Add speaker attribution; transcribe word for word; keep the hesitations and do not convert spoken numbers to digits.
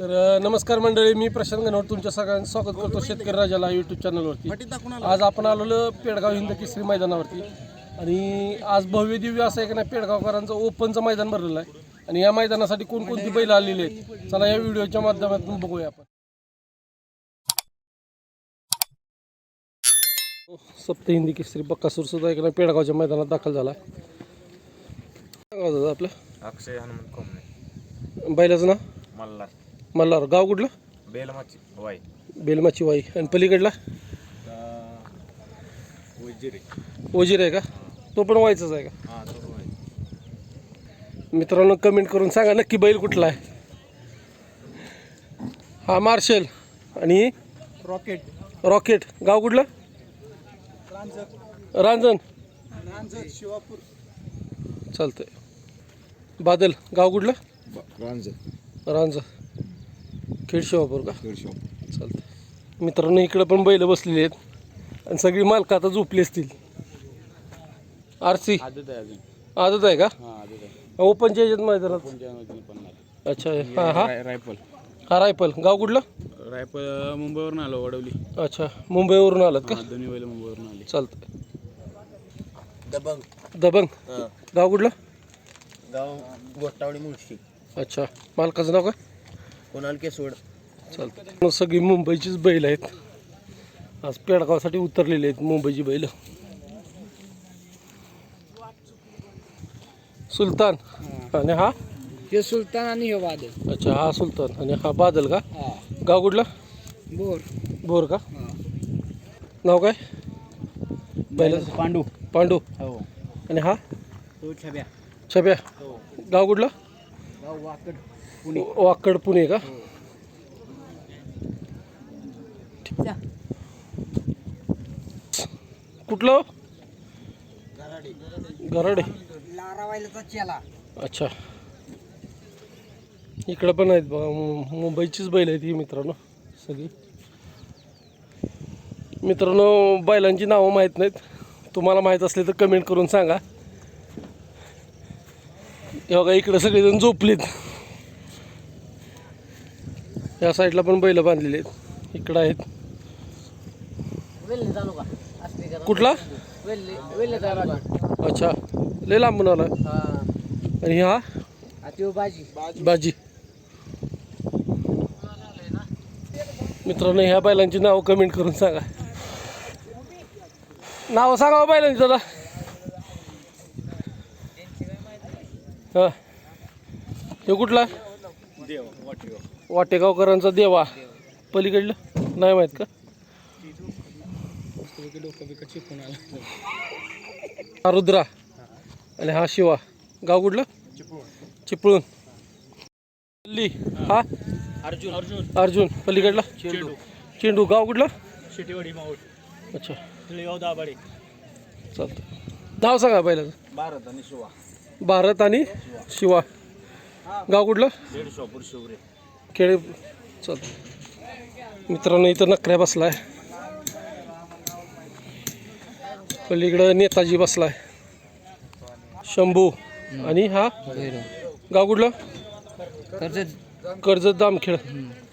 Speaker 1: तर नमस्कार मंडळी, मी प्रशांत गणवट तुमच्या सगळ्यांचं स्वागत करतो शेतकरी राजाला यूट्यूब चॅनलवरती। आज आपण आलेलो पेडगाव हिंद केसरी मैदानावरती आणि आज भव्य दिव्य असं एक ना पेडगावकरांचं ओपनचं मैदान भरलेलं आहे आणि या मैदानासाठी कोणकोणती बैल आलेली आहेत चला या व्हिडिओच्या माध्यमातून बघूया आपण। सप्त हिंदी केसरी बक्कासूर सुद्धा एक ना पेडगावच्या मैदानात दाखल झाला। दादा आपलं
Speaker 2: अक्षय हनुमंत कोमने,
Speaker 1: बैलाचं नाव
Speaker 2: मल्हार
Speaker 1: मल्हार, गाव कुठलं?
Speaker 2: बेलमाची वाई
Speaker 1: बेलमाची वाई। आणि पलीकडला
Speaker 2: उजिरे
Speaker 1: ओजीर आहे का? तो पण व्हायचाच आहे का?
Speaker 2: हां तो वाई।
Speaker 1: मित्रांनो कमेंट करून सांगा नक्की बैल कुठला आहे। हा मार्शल आणि
Speaker 3: रॉकेट
Speaker 1: रॉकेट, गाव कुठलं? रांजण
Speaker 3: शिवापूर
Speaker 1: चालतंय। बादल, गाव कुठलं?
Speaker 3: रांजण
Speaker 1: रांजण खेड शिवापूर का? चालतंय। मित्रांनो इकडे पण बैल बसलेली आहेत आणि सगळी मालकं आता झोपली असतील। आर सी
Speaker 2: आदत आहे अजून।
Speaker 1: आदत आहे का?
Speaker 2: हां आदत आहे।
Speaker 1: ओपनच्या ह्याच्यात मैदानात?
Speaker 2: पण
Speaker 1: अच्छा हा हा
Speaker 2: रायफल
Speaker 1: हा रायफल, गाव कुठलं?
Speaker 2: रायफल मुंबईवरून आलो वडवली।
Speaker 1: अच्छा मुंबईवरून आलात का?
Speaker 2: दोन्ही बैल मुंबईवरून आले।
Speaker 1: चालतंय।
Speaker 3: दबंग
Speaker 1: दबंग, गाव कुठलं?
Speaker 3: गाव गोटावडी मुळशी।
Speaker 1: अच्छा मालकाचं नाव काय?
Speaker 3: कोणाल केसोड।
Speaker 1: चालतं। सगळी मुंबईचीच बैल आहेत, आज पेडगावसाठी उतरलेले आहेत मुंबईची बैल। सुलतान आणि हा
Speaker 3: हे सुलतान आणि हे बादल।
Speaker 1: अच्छा हा सुलतान आणि हा बादल का?
Speaker 3: हा
Speaker 1: गाव कुठलं?
Speaker 3: बोर
Speaker 1: बोर का? नाव काय बैलाचं?
Speaker 3: पांडू।
Speaker 1: पांडू
Speaker 3: हो
Speaker 1: आणि हा
Speaker 3: तो छब्या।
Speaker 1: छब्या,
Speaker 3: हो
Speaker 1: गाव कुठलं?
Speaker 3: गाव वाकड
Speaker 1: वाकड पुणे का? कुठलं? गराडे
Speaker 3: लारावायलाचा चेला।
Speaker 1: अच्छा इकडं पण आहेत बघा, मु- मुंबईचीच बैल आहेत ही मित्रांनो सगळी। मित्रांनो बैलांची नावं माहीत नाहीत, तुम्हाला माहीत असले तर कमेंट करून सांगा। हे बघा इकडं सगळेजण झोपलेत, या साईडला पण बैल बांधलेले आहेत, इकडं आहेत। कुठला? अच्छा लय लांबून आला। आणि हा
Speaker 3: बाजी
Speaker 1: बाजी। मित्रांनो ह्या बैलांची नाव कमेंट करून सांगा। नाव सांगा हो बैलांची दादा। हा हे कुठला? वाटेगावकरांचा देवा। पलीकडलं नाही माहीत का? हा रुद्रा आणि हा शिवा, गाव कुठलं? चिपळूण। ली हा
Speaker 2: अर्जुन अर्जुन
Speaker 1: अर्जुन, पलीकडला
Speaker 2: चेंडू
Speaker 1: चेंडू, गाव कुठलं?
Speaker 2: शेटीवाडी माऊट
Speaker 1: अच्छा
Speaker 2: तळेगाव दाभाडे।
Speaker 1: चालतं। नाव सांगा पहिल्याचं।
Speaker 2: भारत आणि शिवा।
Speaker 1: भारत आणि शिवा, गाव कुठलं?
Speaker 2: दीडशोपूर शिवरे
Speaker 1: खेळे। चालतं। मित्रांनो इथं नकऱ्या बसलाय, पलीकडं नेताजी बसलाय, शंभू आणि हा गाव कुठलं?
Speaker 3: कर्जत
Speaker 1: कर्जत जामखेड।